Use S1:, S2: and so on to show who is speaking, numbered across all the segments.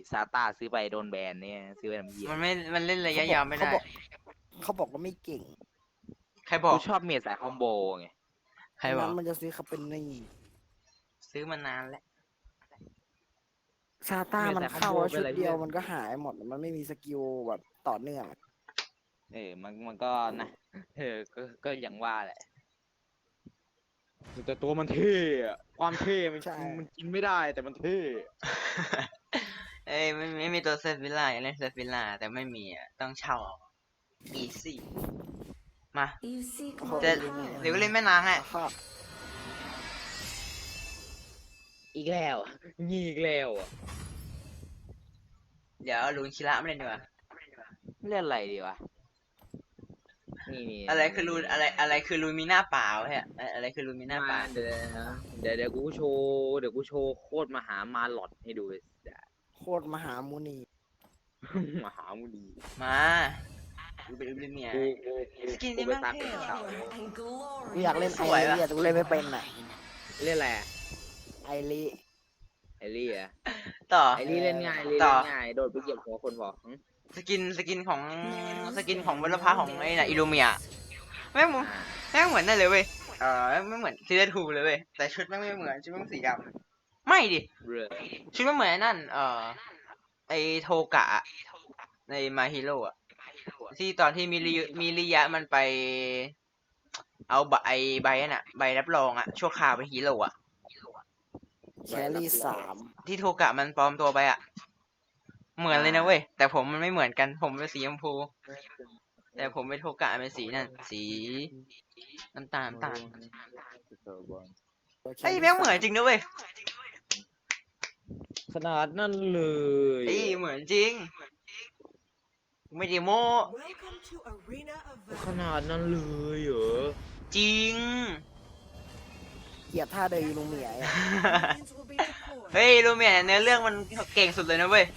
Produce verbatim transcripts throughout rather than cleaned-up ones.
S1: ซาต้าซื้อไปโดนแบนเนี่ยซื้อไปทำเหี้ย
S2: มันไม่มันเล่นระยะยาวไม่ได้
S3: เขาบอกว่าไม่เก่ง
S2: ใครบอก
S1: กูชอบเมดสายคอมโบไง
S2: ใครบอก
S3: นั้นมันจะซื้อเขาเป็นนี่
S2: ซื้อมานานแล้ว
S3: ซาต้ามันเข้าแล้วชุดเดียวมันก็หายหมดมันไม่มีสกิลแบบต่อเนื่อง
S1: เออมันมันก็นะเออก็ก็อย่างว่าแหละแต่ตัวมันเท่อะความเท่มันมันกินไม่ได้แต่มันเท่
S2: เอ้ยไม่ไม่มีตัวเซฟวิลล่าอยากเล่นเซฟวิลล่าแต่ไม่มีอ่ะต้องเช่าเอาอีซี่มา จะ หรือว่าเล่นแม่นางอ่ะ
S1: อีกแล้วงีอีกแล้วอ่ะ
S2: เดี๋ยวเอาลูนคิระไม่เล่นดีกว่า
S1: เล่นอะไรดีวะนี่นี่
S2: อะไรคือลูนอะไรอะไรคือลูนมีหน้าเปล่าฮะอะไรคือลูนมีหน้าเปล่า
S1: เดี๋ยวนะเดี๋ยวเดี๋ยวกูโชว์เดี๋ยวกูโชว์โคตรมหามาหลอดให้ดูเลย
S3: โคตรมหามุนี
S1: มหามุนี
S2: มาดูเป็นลูนเมีย
S1: กูกูกู
S2: สกิน
S1: กู
S2: นี่
S1: ไป
S2: แม่ง
S1: ซัก
S2: เท่
S1: เป็นเก่า
S3: กูอยากเล่น
S2: ส
S3: ไอ
S2: วย
S3: รี
S2: ว่ะ
S3: อะแต่กูเล่นไม่เป็นอ่ะ
S1: เล่นอะไรอะ
S3: ไอรี
S1: ไอรี่อะ
S2: ต่อ
S1: ไอรี่เล่นง่ายไอรี่
S2: ต่
S1: เล่
S2: อ
S1: นง่ายโดดไปเหยียบหัวคนบอกหึ
S2: สกินสกินของสกินของวัลพาของไอ้น่ะอิลูเมียแม่ง
S1: อ่า
S2: แม่งเหมือนนั่นเลยเว้ยเออไม่เหมือนซีเรทูเลยเว้ยแต่ชุดแม่งไม่เหมือนชุดแม่งสีดำไม่ดิ
S1: เรือ
S2: ชุดไม่เหมือนไอ้นั่น เอ่อ ไอโทกะอะในมาฮิโร่อะที่ตอนที่มิริมิริยะมันไป เอาใบใบนั่นอะใบรับรองอะชั่วคราวไปฮีโร่อะ
S3: แครี่สาม
S2: ที่โทกะมันปลอมตัวไปอะเหมือนเลยนะเว้ย แต่ผมมันไม่เหมือนกัน ผมเป็นสีชมพู แต่ผมเป็นโทกะเป็นสีนั่น สีน้ำตาลน้ำตาลไอ้ยแม่งเหมือนจริงนะเว้ย
S1: ขนาดนั่นเลย
S2: ไอ้ยเหมือนจริง ไม่ได้โม้
S1: ขนาดนั้นเลยเหรอ
S2: จริง
S3: เกลียดท่าเดินลูเมียอะ
S2: เฮ้ยรู้ไหมเนื้อเรื่องมันเก่งสุดเลยนะเว้ย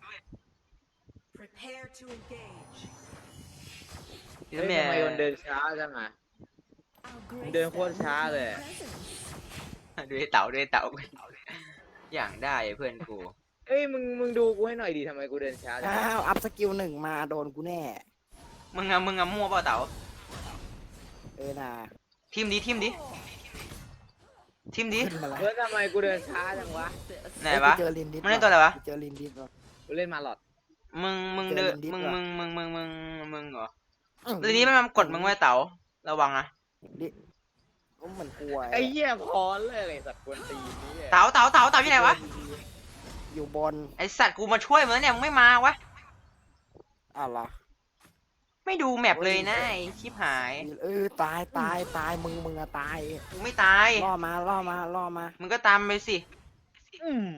S1: เฮ้ยทำไมมันเดินช้าจังอ่ะมันเดินโคตรช้าเลย
S2: ดูไอ้เต่าดูไอ้เต่าอย่างได้เพื่อนกู
S1: เอ้ยมึงมึงดูกูให้หน่อยดิทำไมกูเดินช้าจัง
S3: อ้าวอัพสกิลหนึ่งมาโดนกูแน่
S2: มึงอะมึงอะมั่วเปล่าเต่า
S3: เออน่ะ
S2: ทิมดิทิมดิทิมดิ
S3: ขึ้นมาแล้ว
S1: เฮ้ยทำไมกูเดินช้าจังวะ
S2: ไหนวะ
S3: เจอลินดิส
S2: มันเล่นตัวอะไรวะ
S3: เจอลินดิสว่ะ
S1: กูเล่นมาหลอด
S2: มึงมึงเดิน
S3: เจอลินดิส
S2: มึง
S3: ว่ะ
S2: มึงมึงมึงมึงมึงเหรอ
S3: อื้อ
S2: ทีนี้มันมากดมึงไว้เต่าระวังนะ
S3: ดิก็เหมือนกลัว
S1: ไอ้เหี้ยพอเลยไอ้สัตว์กวนตีนนี่
S2: เต่าเต่าเต่าเต่าที่ไหนวะ
S3: อยู่บน
S2: ไอสัตว์กูมาช่วยมึงแล้วเนี่ยมึงไม่มาวะ
S3: อ้าวเหรอ
S2: ไม่ดูแมปเลยนะไอชิบหาย
S3: เออตายตายตายมึงมึงอะตาย
S2: กูไม่ตาย
S3: ล่อมาล่อมาล่อมา
S2: มึงก็ตามไปสิ
S1: อืม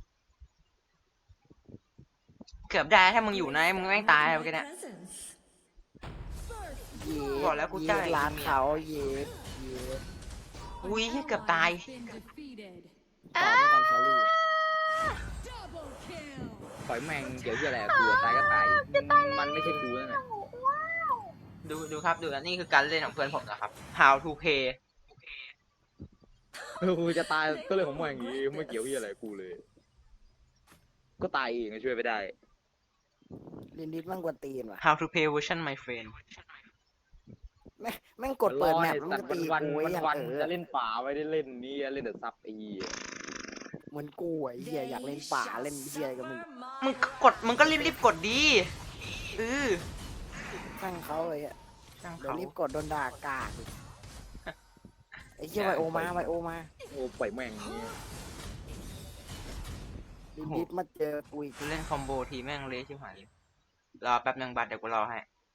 S2: เกือบได้ถ้ามึงอยู่นะมึงแม่งตายไปกันเนี่ย
S3: เย็ด
S2: บอกแล้วกู
S3: เย็
S2: จ่า
S3: ด
S2: ย
S3: ร้านเขาเย็ดเย็ด
S2: อุ้ยเกือบตาย
S3: ต่อไม่กันแครี่
S1: ปล่อยแม่งเกี่ยวเหี้ยอะไรกับกูอะตายก็ตายมันไม่ใช่กูนั่นแหละ
S2: ดูดูครับดูนะนี่คือการเล่นของเพื่อนผมนะครับ How to play
S1: เออกูจะตายก็เลยของมึงอย่างงี้ไม่เกี่ยวเหี้ยอะไรกับกูเลย ก็ตายเองก็ช่วยไม่ได้
S3: ลินดิสแม่งกวนตีนว่ะ
S2: How to play version my friend
S3: แม่งแม่งกดเปิดแมปแล้วมันก็ตี
S1: วัน
S3: กูไว้
S1: วัน
S3: อย่าง
S1: วัน
S3: เออ
S1: จะเล่นป่าไม่ได้เล่นนี่เล่นแต่ซับไอ้เหี้ย
S3: เหมือนกูไอ้เหี้ยอยากเล่นป่าเล่นเหี้ยก็มึง
S2: มึงก็กดมึงก็รีบรีบกดดีเออ
S3: ช่างเขาเลยอ่ะ
S2: ช่าง
S3: เดี๋ยว
S2: เขา
S3: รีบกดโดนด่ากากอีกไอ้เหี้ยไวโอมาไวโอมา
S1: โอ้ปล่อยแม่งอย่างงี้
S3: ลินดิสมาเจอกูอีก
S2: กูเล่นคอมโบทีแม่งเละชิบหายเลยรอแป๊บนึงบัตรเดี๋ยวกูรอให้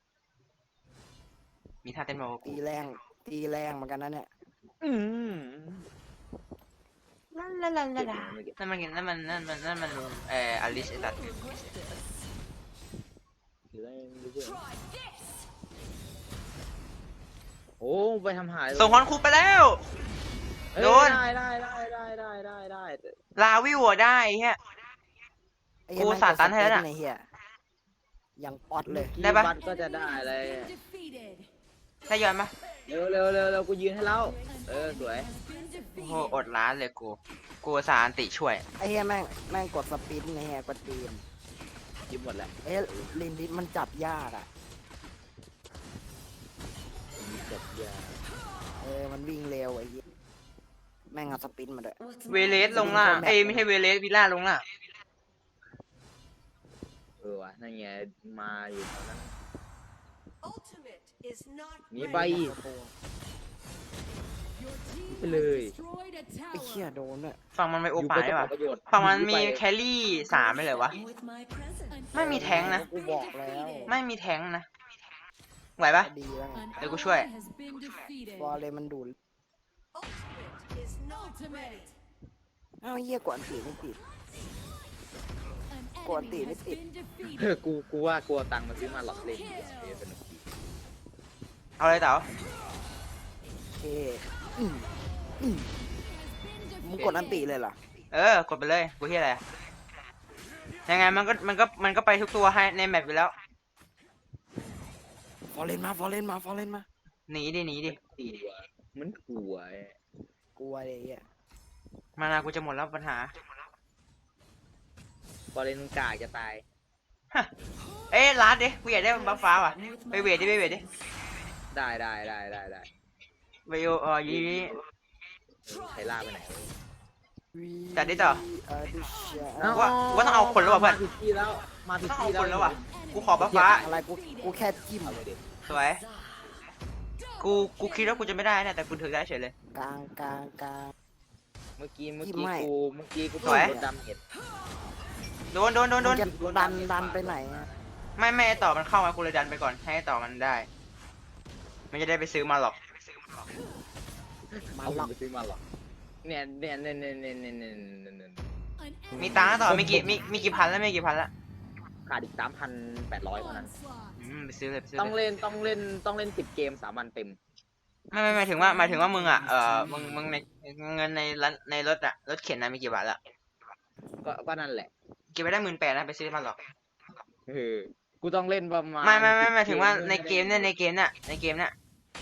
S2: มีท่าเต้นโม
S3: ตีแรงตีแรงเหมือนกันนะเนี่ย
S1: อืม
S2: ลาลาลาลาลานั่นมันนั่นมันนั่นมันนั่นมันเอ่ออลิสไอ้สัตว์
S1: โอ้ไปทำหาย
S2: ส่งฮอนคูไปแล้ว
S1: เอ้ย
S2: โดน
S1: ได้ได้ได้ได้ได้ได้ได้
S2: ลาวิวอะได้เฮีย
S3: ไอ้เหี้ย
S2: กู
S3: แม่ง
S2: สาดตันให้แล้วน่ะ
S3: ไอ้เหี้ยยังป๊อตเลย
S2: ได้ปะ
S1: บัตรก็จะได้เลย
S2: ได้ย้อนปะ
S1: เร็วเร็วเร็วเร็วกูยืนให้แล้วเออสวย
S2: โอ้โหอดร้านเลยกูกูอุตสาห์อันติช่วย
S3: ไอ้เหี้ยแม่งแม่งกดสปินไอ้เหี้ยกดตีน
S1: ยิ้มหมดแล้ว
S3: เอ้ยลินดิสมันจับยากอ่ะ
S1: จบยา
S3: เออมันวิ่งเร็วไอ้เหี้ยแม่งเอาสปินมาด้วย
S2: เวเลสลงล่างเอ้ยไม่ใช่เวเลสวิลล่าลงล่าง
S1: เออวะนั่นไงมาอยู่ตอนนั้น
S4: Ultimate is not
S1: หนีไป
S4: ready.
S1: ไปเลย
S3: ไอ้เหี้ยโดนด้วย
S2: ฝั่งมันไม่โอป่าได้ปะ
S1: ประโยชน์
S2: ฝั่งมันมี
S1: หไป
S2: แครี่สามไปเลยวะ
S4: With my presence.
S2: ไม่มีแท้งนะ
S3: กูบอกแล้ว
S2: ไม่มีแท้งนะ ไหวปะ
S3: ดีแล้วไง
S2: เดี๋ยวกูช่วย
S3: บอลเลยมันดูด
S4: Ultimate is not ready.
S3: เอ้าเหี้ยกวนตีไม่ติด กวนตีไม่ติด
S1: เออกูกูว่ากลัวตังค์มาซื้อมาหลอกเล่นเดี๋ยวสนุกดี
S2: เอาเลยเต๋า
S3: โอเคอืมอืมมึงกดอันติเลยเหรอ
S2: เออกดไปเลยกูที่อะไรอะยังไงมันก็มันก็มันก็ไปทุกตัวให้ในแมปอยู่แล้ว
S3: ฟอร์เรนมาฟอร์เรนมาฟอร์เรนมา
S2: หนีดิหนีดิ
S1: กลัวมันกลัวไอ้
S3: กลัวเลยไอ้เหี้ย
S2: มานากูจะหมดแล้วปัญหา
S1: บอลเลนกากจะตาย
S2: เอ้ยลาดดิกูอยากได้บัฟฟ้าว่ะ ไปเวทดิไปเวทดิ
S1: ได้ได้ได้ได้ได้
S2: ไปโอเออยีนี้
S1: ไทล่าไปไหน
S2: จัดดิต่อ
S3: อ่าดิชา
S2: เอ้า ว่าว่าต้องเอาคนแล้วว่ะเพื่อน
S1: มาผิดที่แล้วมาผิด
S2: ต้องเอา
S1: ที่
S2: คนแล้วว่ะ กูขอบัฟฟ้า
S3: อะไรกูกูแค่จิ้ม
S1: เอาเลยดิ
S2: สวย กูกูคิดว่ากูจะไม่ได้นะแต่กูถึงได้เฉยเลย
S3: กลางกลางกลาง
S1: เมื่อกี้เมื่อ
S3: ที่
S1: กี้
S3: ไม่
S1: กูเมื่อกี้กู
S2: สวย
S1: โดนดำเห็ด
S2: โดนโดนโดนโด
S3: มึ
S2: น
S3: งจะดันดันไปไหนอะ
S2: ไม่ไม่ไอ้ต่อมันเข้ามากูเลยดันไปก่อนให้ไอ้ต่อมันได้ไม่จะได้ไปซื้อมาหรอก
S3: มา
S1: เอา
S3: หลอก
S1: ไปซื้อมาหรอกเนี่ยเนี่ยเนี่ยเนี่ยเนี่ยเนี่ยเนี่ยเนี่ยเนี่ย
S2: มีตังค์นะต่อมีกี่มีมีกี่พันแล้วมีกี่พันแล้ว
S1: ขาดอีกสามพันแปดร้อยเท่านั้น
S2: อืมไปซื้อเลยไปซื้อ
S1: ต้อง
S2: เลย
S1: เล่นต้องเล่นต้องเล่นสิบเกมสามวันเต็ม
S2: ไม่ไม่หมายถึงว่าหมายถึงว่ามึงอ่ะเออมึงมึงในเงินในร้านในรถอะรถเข็นนะมีกี่บาทละ
S1: ก็ก็นั่นแหละ
S2: เก็บไปได้หมื่นแปดนะไปซื้อมาหรอก
S1: เออกูต้องเล่นประมาณ
S2: ไม่ไม่ไม่หมาย
S1: 10
S2: ถึงว่า
S1: พื่อ
S2: ในเกมเนี่ยในเกมเนี่ยในเกมเนี่ย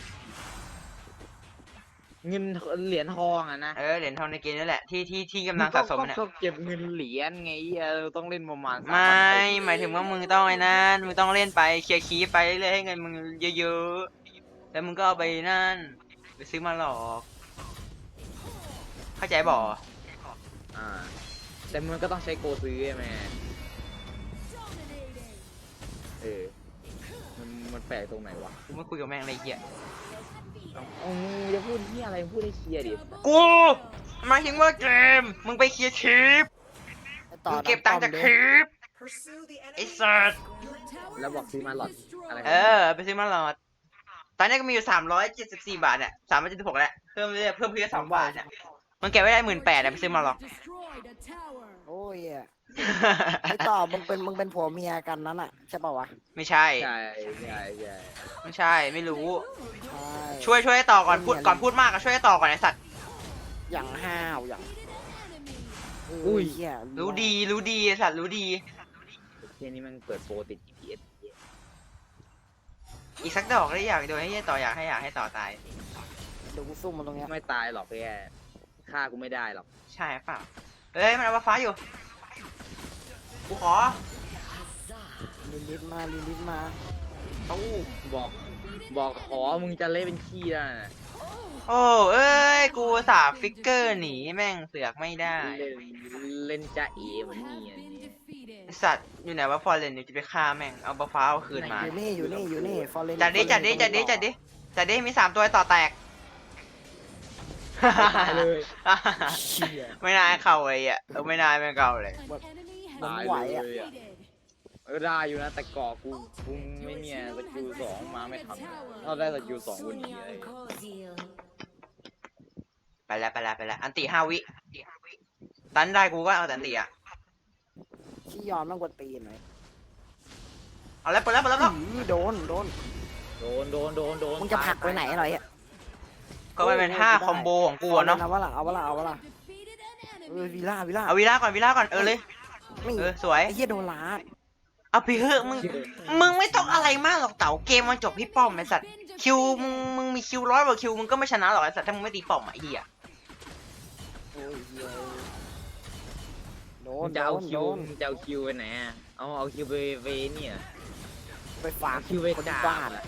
S1: เงินเหรียญทองอ่ะนะ
S2: เออเหรียญทองในเกมนี่แหละที่ที่ที่กำลังสะสมเนี่ย
S1: ก็เก็บเงินเหรียญไงเออต้องเล่นประมาณสาม
S2: ไม่
S1: วันเต็
S2: หมายถึงว่ามึงต้องไอ้นั่นมึงต้องเล่นไปเคลียร์คีย์ไปเรื่อยๆให้เงินมึงเยอะๆแล้วมึงก็เอาไปนั่นไปซื้อมาหรอกเข้าใจบ่
S1: อ่าแต่มันก็ต้องใช้โกซื้อใช่ไหมเออมันมันแปลกตรงไหนวะ
S2: กูไม่คุยกับแม่งอะไรเหี้ย
S1: เอาเอามึงจะพูดที่อะไรพูดให้เคลียร์ดิ
S2: กูหมายถึงว่าเกมมึงไปเคลียร์คลิป
S3: ไอ้ต่อ
S2: มึงเก็บตังค์จากคลิป
S4: Pursue the
S2: ไอ้
S4: enemy.
S2: สัส
S1: แล้วบอกซื้อมาหลอดอะไร
S2: เออไปซื้อมาหลอดตอนนี้ก็มีอยู่สามร้อยเจ็ดสิบสี่บาทเนี่ยสามร้อยเจ็ดสิบหกแล้วเพิ่มเรื่อยๆเพิ่มเพิ่มสองบาทเนี่ยมันเก็บไว้ได้หมื่นแปดไปซื้อมาหรอก
S3: โอ้ยอะไอ้ต่อมึงเป็นมึงเป็นผัวเมียกันนั้นอ่ะใช่ป่าวะ
S2: ไม่ใช่
S1: ใช่ใช่ใช่
S2: ไม่ใช่ไม่รู้
S3: ใช่
S2: ช่วยช่วยให้ต่อก่อนพูดก่อนพูดมากอะช่วยให้ต่อก่อนไอ้สัตว์
S3: อย่างห้าวอย่าง
S1: อุ้ย
S3: เหี้ย
S2: รู้ดีรู้ดีไอ้สัตว์รู้ดี
S1: เที่ยนี้มันเปิดโปรติด จี พี เอส
S2: อีกสักดอกได้อยากโดนให้ต่ออยากให้อยากให้ต่อตาย
S3: เดี๋ยวกูซุ่มมันตรงเนี้ย
S1: ไม่ตายหรอกแกฆ่ากูไม่ได้หรอก
S2: ใช่เปล่าเอ้ยมันเอาฟ้าอยู่กูขอ
S3: ลินลิสมาลินลิสมา
S2: ตู้
S1: บอกบอกขอมึงจะเล่นเป็นขี้แล้วนะ
S2: โอ้เอ้ยกูสาฟิกเกอร์หนีแม่งเสือกไม่ได้
S1: เล่นเล่นจ้าเอ๋เหมือนเนียนเนี่ย
S2: ไอ้สัตว์อยู่ไหนวะฟอร์เรนอยู่จะไปฆ่าแม่งเอาบัฟฟ้าเอาคืนมา
S3: อยู่นี่อยู่นี่อยู่นี่ฟอร์เรน
S2: จัดดิจัดดิจัดดิจัดดิจัดดิมีสามตัวต่อแตก
S1: ตายเลย
S3: เชี่ย
S2: ไม่น่าให้เข้าเลยอ่ะเออไม่น่าให้มันเข้าเลย
S3: มันไหวอะ
S1: ตายเลย เออได้อยู่นะแต่ก่อกูกูไม่เนี่ยสกิลสองมาไม่ทันถ้าได้สกิลสองวันนี้เลย
S2: ไปแล้วไปแล้วไปแล้วอันติห้าวิตันได้กูก็เอาแต่อันติอ่ะ
S3: ขี้ยอนมันกวนตีนหน่อย
S2: เอาแล้วเปิดแล้วเปิดแล้วเปิดแล้ว
S3: อื้อโดนโดน
S1: โดนโดนโดนโดน
S3: มึงจะผลักไปไหนหน่อยอ่ะ
S2: ก็มันเป็นห้าคอมโบของกูอะเนาะ
S3: เอาวะล่ะเอาวะล่ะเอาวะล่ะเออวิล่าวิล่า
S2: เอาวีล่าก่อนวีล่าก่อนเออเลย
S3: นี่
S2: เออสวย
S3: ไอ้เหี้ยโดนลาด
S2: เอาไปเถอะมึง มึงไม่ต้องอะไรมากหรอกเต๋าเกมมันจบที่ป้อมไอ้สัตว์คิวมึงมึงมีคิวร้อยกว่าคิวมึงก็ไม่ชนะหรอกไอ้สัตว์ถ้ามึงไม่ตีป้อมอะไอ้เหี้ย
S3: โอ้ยเหี้ยโด
S1: มึ
S3: น
S1: งจะเอา
S3: โดน
S1: คิว
S3: โดน
S1: มึงจะเอาคิวไปไหนอะเอาเอาคิวไปไปเนี่ย
S3: ไปฝาก
S1: เอาคิวไป
S3: คน
S1: ด่า
S3: ที่บ้าน
S1: อะ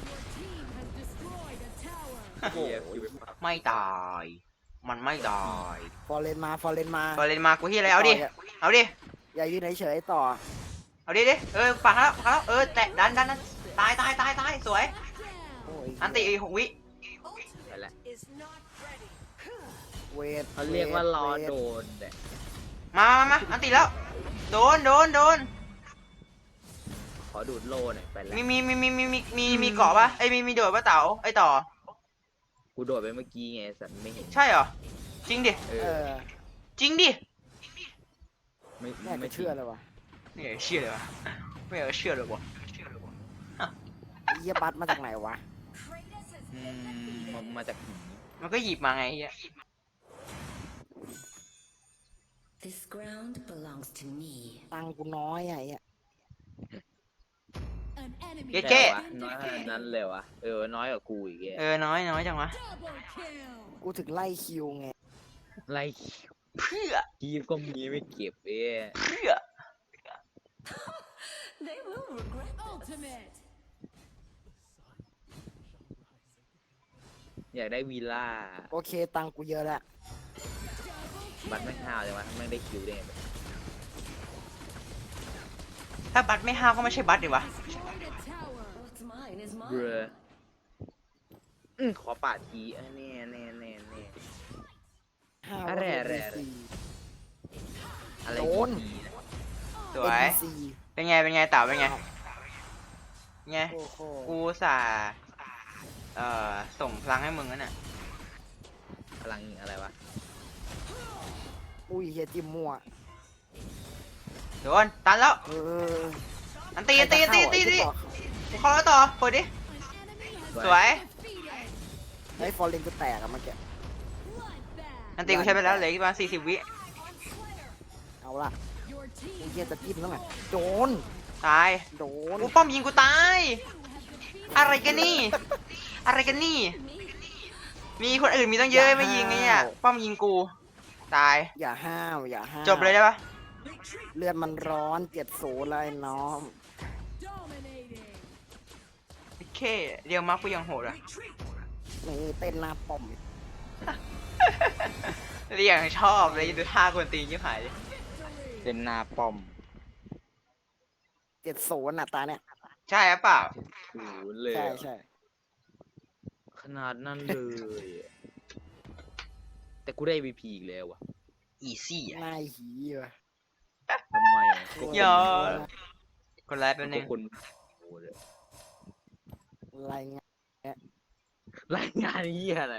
S4: Your team has destroyed a tower.
S1: เหี้ยคิวไปฝาก
S2: ไม่ตาย มันไม่ตาย
S3: ฟอร์เรนมาฟอร์เรนมา
S2: พอเล่นมากูที่อะไรเอาดิ เอาดิ
S3: อย่ายืนเฉยๆต่อ
S2: เอาดิดิ เออปังแล้วปังแล้ว เออแตะดันดันดันตายตายตายตายสวย
S3: โอ้ย
S2: อันติอีกหกวิ
S1: ไปละ
S4: Is not ready.
S3: เวท
S1: เขาเรียกว่ารอ
S3: วท
S1: โดนแต่
S2: มามามาอันติแล้ว โดนโดนโดน
S1: ขอดูดโลหน่อยไปละ
S2: มีมีมีมีมีมีมีมีเกาะปะไอยมีมีโดดปะเต๋าไอต่อ
S1: กูโดดไปเมื่อกี้ไงสัตว์ไม่เห็น
S2: ใช่เหรอ จริงดิ
S1: เอ
S3: เอ
S1: อ
S3: อ
S2: จริงดิ
S1: ไม่
S3: แม่
S1: ไม่
S3: ก็เชื่อเลยวะ
S2: ไม่อยากเชื่อเลยวะไม่อยากเชื่อเลยวะ
S3: ไอ้เหี้ยบัตมาจากไหนวะ
S4: Kratos has
S1: อืมมามาจากไหน
S2: มันก็หยิบมาไงไอ้เหี้ย
S5: This ground belongs to me.
S3: ตังค์กูน้อยอะไอ้เหี้ย
S4: an enemy.
S2: เจ๊
S1: วะน้อยขนาดนั้นเลยวะเออน้อยกว่ากูอีกแก
S2: เออน้อยน้อยจังวะ
S4: Double kill.
S3: กูถึงไล่คิวไง
S1: ไล่
S2: เพื่อ
S1: คีบก็มีไม่เก็บเอ้ย
S2: เพื่อ
S5: They will regret.
S4: Ultimate.
S1: อยากได้วีล่า
S3: โอเคตังค์กูเยอะแล้ว
S1: บัตรไม่ห้าวเลยวะไม่งได้คิวได้ไง
S2: ถ้าบัตรไม่ห้าวก็ไม่ใช่บัตรดิวะ
S4: Destroyed a tower.
S5: What's mine is
S1: เบร
S5: mine.
S1: อืมขอปาดทีเออแน่แน่แน่แน่
S3: ห้า
S1: อะไร
S3: ว่า
S1: อะไร
S3: เป็น
S1: อะไร
S3: โดน
S1: ทีนะ
S2: สวย
S3: ซี
S2: เป็นไง เป็นไงเต่าเป็นไง ไง
S3: โอ้โห
S2: กูอุตสาห์เอ่อ ส่งพลังให้มึงนั่นน่ะ
S1: พลังอะไรวะ
S3: อุ้ยเฮียจิมมั่ว
S2: โดน ตันแล้ว
S3: เออ
S2: อันตีอันตีอันตีอันตีอันตีกูเข้าแล้วต่อเปิดดิ
S4: An enemy has
S2: สวย
S4: defeated.
S3: ไอ้ฟอร์เรนกูแตกอะเมื่อกี้
S4: Bloodbath.
S2: อันตีกูใช้ไปแล้วเหลืออีกประมาณสี่สิบวิ
S4: On Slayer.
S3: เอาละ
S4: Your
S3: ไอ้
S4: team
S3: เฮียจะจิ้มแล้วไงโดน
S2: ตาย
S3: โดน
S2: กูป้อมยิงกูตาย อะไรกันนี่ อะไรกันนี่ มีคนอื่นมีตั้งเยอะไม่ยิงไงเนี่ยป้อมยิงกู ตาย
S3: อย่าห้าวอย่าห้าว
S2: จบเลยได้ปะ
S3: เลือดมันร้อนเจ็ดศูนย์เลยน้อง
S4: dominating.
S2: โอเคเรียวมาร์คกูยังโหดอ่ะ
S3: นี่เต้นหน้าป้อม
S2: เรียงชอบเลยดูท่าคนตีนยิ่งหายเลย
S1: เป็นหนาป้อม
S3: เจ็ดศูนย์น่ะตาเนี่ย
S2: ใช่หรือเปล่า
S1: ศูนย์เลย
S3: ใช่
S1: อะ
S3: ใช่
S1: ขนาดนั้นเลยอะแต่กูได้ วี พี อีกแล้ววะ
S2: อีซี่อ่ะ
S3: หน้าหีว่ะ
S1: ทำไมอะก็
S2: เดี๋ยว คนร้ายแป๊บนึ
S1: ก็
S2: ง
S1: คนโอ้โหเลย
S3: อะไรเงี้ย
S1: รายงานเหี้ยอะไร